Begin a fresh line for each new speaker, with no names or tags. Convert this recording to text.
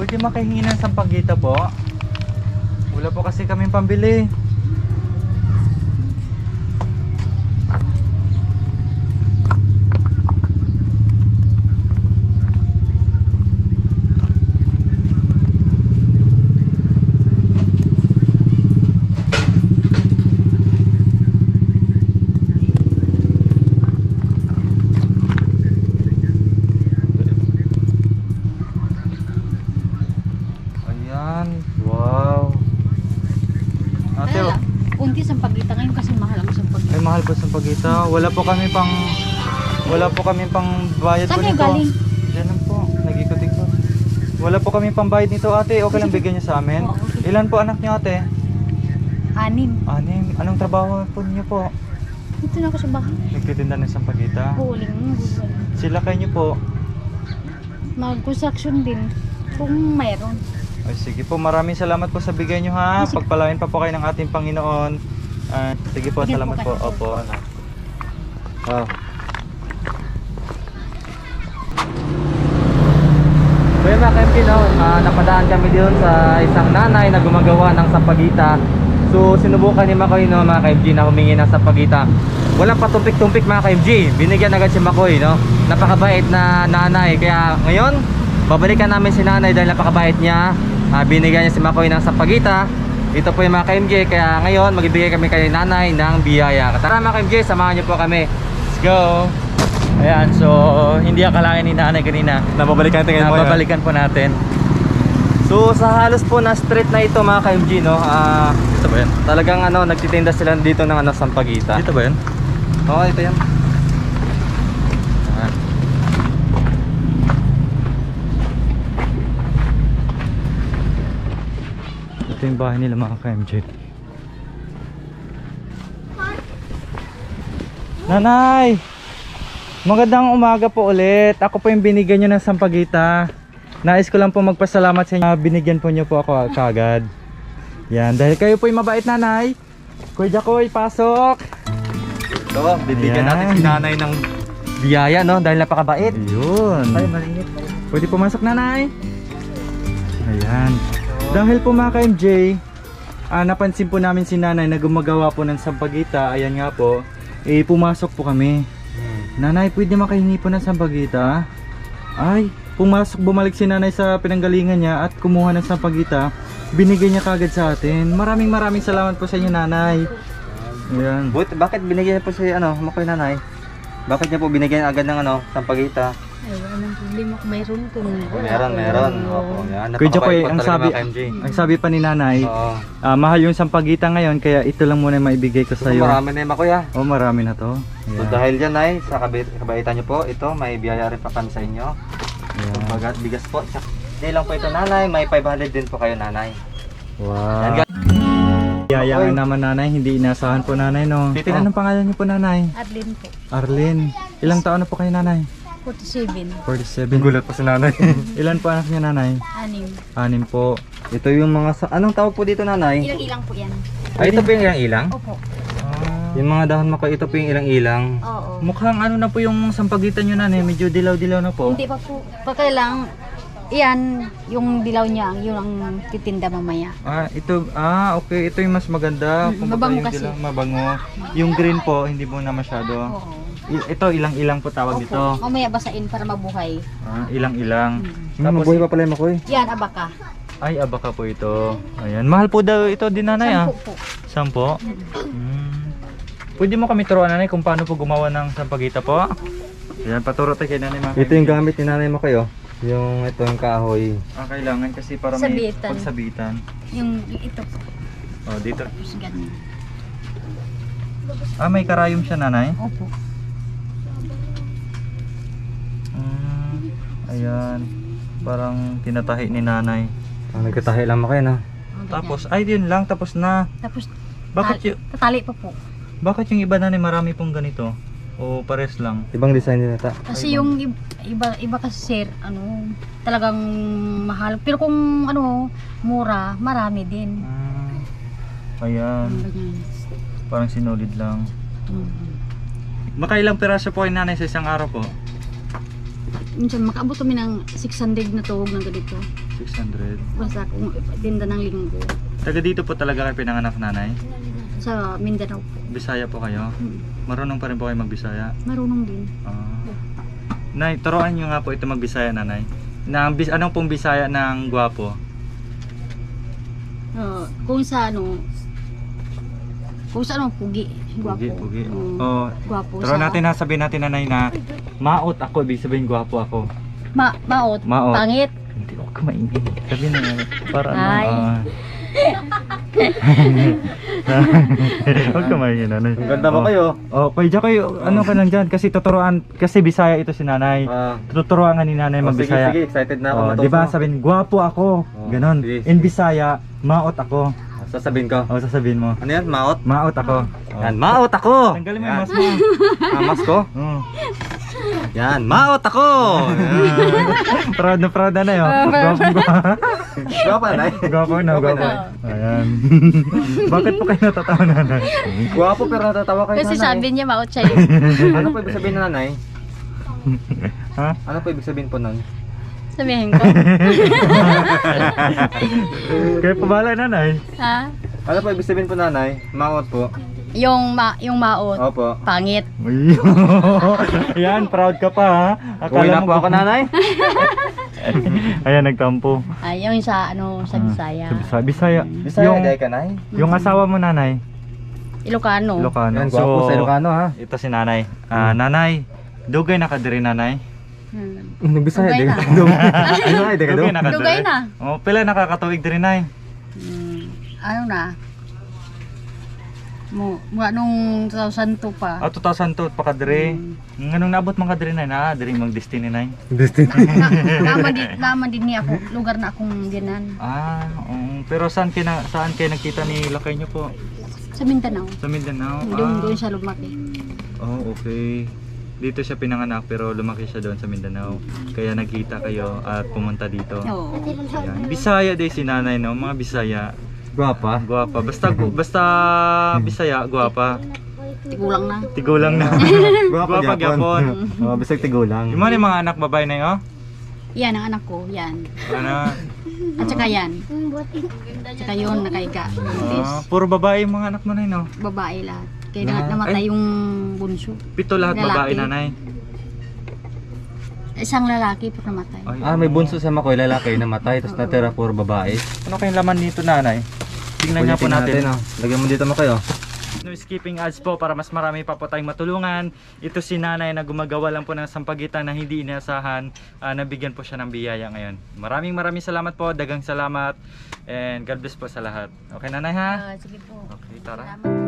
pwede makahingi ng sampagita po? Wala po kasi kaming pambili. Wow. Ate,
Kaya lang, unti sampagita ngayon kasi mahal ang sampagita.
ay mahal po sa pagita. Wala po kami pang bayad po
Saan kayo
nito.
galing?
Diyan lang po, nag-ikot-ikot. Wala po kami pang bayad nito, ate. Okay lang bigyan niyo sa amin.
Oo, okay.
Ilan po anak niyo, ate?
6.
6. Anong trabaho po niyo po?
Dito na ako sa bahay.
Nagtitinda ng sampagita.
Huling.
Sila kayo niyo po.
Mag-construction din. Kung mayroon.
Ay, sige po, maraming salamat po sa bigay niyo ha.
Sige.
Pagpalain pa po kayo ng ating Panginoon. Sige po,
Sige
salamat
po
po.
kayo.
Opo, anak. Wow. So yun mga KMG, no? Napadaan kami doon sa isang nanay na gumagawa ng sampagita. So sinubukan ni Makoy, no, mga KMG, na humingi ng sampagita. Walang patumpik-tumpik mga KMG. Binigyan agad si Makoy, no? Napakabait na nanay. Kaya ngayon, babalikan namin si nanay dahil napakabait niya. Binigyan niya si Makoy ng sampagita. Ito po yung mga KMG. Kaya ngayon, magbibigay kami kay nanay ng biyaya. Tara mga KMG, samahan niyo po kami. Let's go! Ayan, so hindi akalain ni nanay kanina.
Nababalikan natin ngayon.
Babalikan po natin. So sa halos po na street na ito mga KMG, no,
Ito ba yan?
talagang nagtitinda sila dito ng sampagita.
Dito ba yan?
Oo, ito yan. Ayan. Ito yung bahay nila mga KMG. Nanay! Magandang umaga po ulit. Ako po yung binigyan nyo ng sampagita. Nais ko lang po magpasalamat sa inyo. Binigyan po nyo po ako kagad. Yan, dahil kayo po yung mabait, nanay. Kuya Jacoy, pasok!
Ito, bibigyan
Ayan.
natin si nanay ng...
Biyaya, no? Dahil napakabait. Yun.
Ay, malinit.
Pwede pumasok, nanay. Ayan. Dahil po mga ka-MJ, napansin po namin si nanay na gumagawa po ng sampagita. Ayan nga po. Pumasok po kami. Nanay, pwede makahingi po ng sampagita? Ay, pumasok, bumalik si nanay sa pinanggalingan niya at kumuha ng sampagita. Binigay niya kagad sa atin. Maraming salamat po sa inyo, nanay. Ayan.
Bakit binigyan niya po si Makoy nanay? Bakit niya po binigyan agad ng sampagita?
Ay, walang problema kung mayroon kung
Meron. Opo, yan.
Kuya Jacoy,
Napakabait po
ang
talaga,
sabi,
mga KMG.
ang sabi pa ni nanay,
Oo.
mahal yung sampagita ngayon, kaya ito lang muna maibigay ko sa iyo.
Marami na yung Makoy ah.
Oh, marami na to.
So
Ayan.
dahil dyan ay sa kabaitan niyo po, ito may biyaya rin pa kami sa inyo.
Ayan.
Bagat bigas po. Hindi lang po ito nanay, may 500 din po kayo nanay.
Wow.
Yan,
Yayaan naman nanay, hindi inasahan po nanay, no?
Tito.
Anong pangalan niyo po, nanay?
Arlene po.
Arlene. Ilang taon na po kayo, nanay?
47.
47.
Gulat po si nanay.
Ilan po anak niya, nanay?
6.
6 po.
Ito yung mga anong tawag po dito nanay?
Ilang-ilang po yan.
Ay, ito po yung ilang-ilang?
Opo.
Yung mga dahon Makoy, ito po yung ilang-ilang.
Oo.
Mukhang ano na po yung sampagitan niyo, nanay? Medyo dilaw-dilaw na po.
Hindi pa po. Pagkailang, yan, yung dilaw niya, yun ang titinda mamaya.
Okay. Ito yung mas maganda. Kumbaga
Mabango
yung
kasi.
dilaw, mabango. Yung green po, hindi po na masyado.
Oo.
Ito, ilang-ilang po tawag
Opo.
dito.
Mamaya basain para mabuhay.
Ilang-ilang.
Tapos, mabuhay pa pala yung Makoy.
Yan, abaka.
Ay, abaka po ito. Ayan. Mahal po daw ito din, nanay, ah.
10 po.
10? Pwede mo kami turuan, nanay, kung paano po gumawa ng sampagita po? Ayan, paturo tayo kay nanay, mga
Ito yung gamit ni nanay Makoy oh. Yung ito yung kahoy.
kailangan kasi para may
Sabitan.
pagsabitan.
Yung ito po.
Dito.
Tapos ganyan.
May karayom siya, nanay?
Opo.
Ayan. Parang tinatahi ni nanay.
Nagkatahi lang Makoy no?
Tapos, yun lang, tapos na.
Tapos,
Bakit
tatali pa po.
Bakit yung iba, nanay, marami pong ganito? O pares lang?
Ibang design din ata.
Kasi yung iba kasi sir, talagang mahal. Pero kung mura, marami din.
Ayan.
Ganyan.
Parang sinulid lang.
Mhm.
Makailang piraso po ay nanay sa isang araw po?
Minsan makaabot kami ng 600 na tuhog ng ganito.
600.
Basta kung tinda ng linggo.
Taga dito po talaga kayo pinanganak, nanay?
Sa Mindanao po.
Bisaya po kayo?
Hmm.
Marunong pa rin po kayo magbisaya?
Marunong din.
Nay, turuan nyo nga po ito magbisaya, nanay. Anong pong bisaya ng gwapo?
Kung sa ano, pugi. Gwapo.
Pugi.
Oo. Gwapo
Turuan natin na, sabihin natin, nanay, na maot ako, ibig sabihin gwapo ako.
Maot.
Maot.
Pangit.
Hindi ako kumaingin. Sabihin na, para
Ay.
Huwag kumaingin, nanay.
Ang ganda mo kayo.
Pwede kayo, ano ka lang dyan, kasi tuturuan, kasi bisaya ito si nanay. Tuturuan nga ni nanay magbisaya.
Sige, excited na ako matuto.
Di ba sabihin, gwapo ako, ganon.
sige.
In Bisaya, maot ako.
Sasabihin ko.
Sasabihin mo,
Ano yan? Maot?
maot ako.
Yan, maot ako!
Tanggalin mo
Yan.
yung mas mo.
Mas ko? Yan, maot ako! Yan.
Proud na nanay, oh.
Gwapo na, Nay.
Gwapo na, gwapo. Ayan. Bakit po kayo natatawa, nanay?
Gwapo pero natatawa kayo,
Kasi
nanay.
sabi niya maot siya.
Ano po ibig sabihin na, nanay?
Ha?
Ano po ibig sabihin po nun?
Sabihin ko.
Kayo pa bala, nanay.
Ha?
Ano po ibig sabihin po, nanay? Maot po.
Yung maot.
Opo.
Pangit.
Uy. Ayan, proud ka pa, ha?
Uwi na po ako, nanay.
Ayan, nagtampo.
Ay, yung sa ano, sa Bisaya.
Sa Bisaya.
Bisaya,
Yung,
day ka, nay.
yung asawa mo, nanay.
Ilocano.
Ilocano.
Yan, gwapo sa Ilocano, ha?
Ito si nanay. Nanay, dugay na ka diri, nanay.
Nagbisaya,
Dugay
day
na.
ka. Bisaya, day ka daw.
Dugay na ka
Dugay
diri.
na.
Oh, pila nakakatuig diri, nay.
Ano na? Mula nung 2002 pa.
2002 pa ka diri. Nganong naabot man ka diri, nay? Diri mang destiny, nay.
Naman din niya ako, lugar na akong ginan.
Pero saan kayo nakita ni lakay niyo po?
Sa Mindanao.
Sa Mindanao.
Doon siya lumaki.
Oh, okay. Dito siya pinanganak pero lumaki siya doon sa Mindanao. Kaya nagkita kayo at pumunta dito.
Oo.
Ayan. Bisaya din si nanay, no? Mga Bisaya.
Gwapa.
Guwapa. Basta Bisaya, guwapa.
Tigulang na.
Tigulang na. Guwapa gyapon.
Bisag tigulang.
Yung mga anak babae na yun, oh?
Yan ang anak ko, yan.
Ano?
At saka yan. Saka yun, nakaiga.
Puro babae yung mga anak mo na yun, no?
Babae lahat. Kaya namatay yung bunso.
7 lahat babae,
Lalaki.
nanay.
Isang lalaki po namatay.
May bunso sa Makoy, lalaki namatay, tapos natira puro babae.
Ano kayong laman dito, nanay? Tingnan nga po natin.
Lagyan mo dito, Makoy, oh.
No skipping ads po para mas marami pa po tayong matulungan. Ito si nanay na gumagawa lang po ng sampagitan na hindi inaasahan. Nabigyan po siya ng biyaya ngayon. Maraming salamat po. Dagang salamat. And God bless po sa lahat. Okay, nanay, ha?
Sige po.
Okay, tara.
Salamat.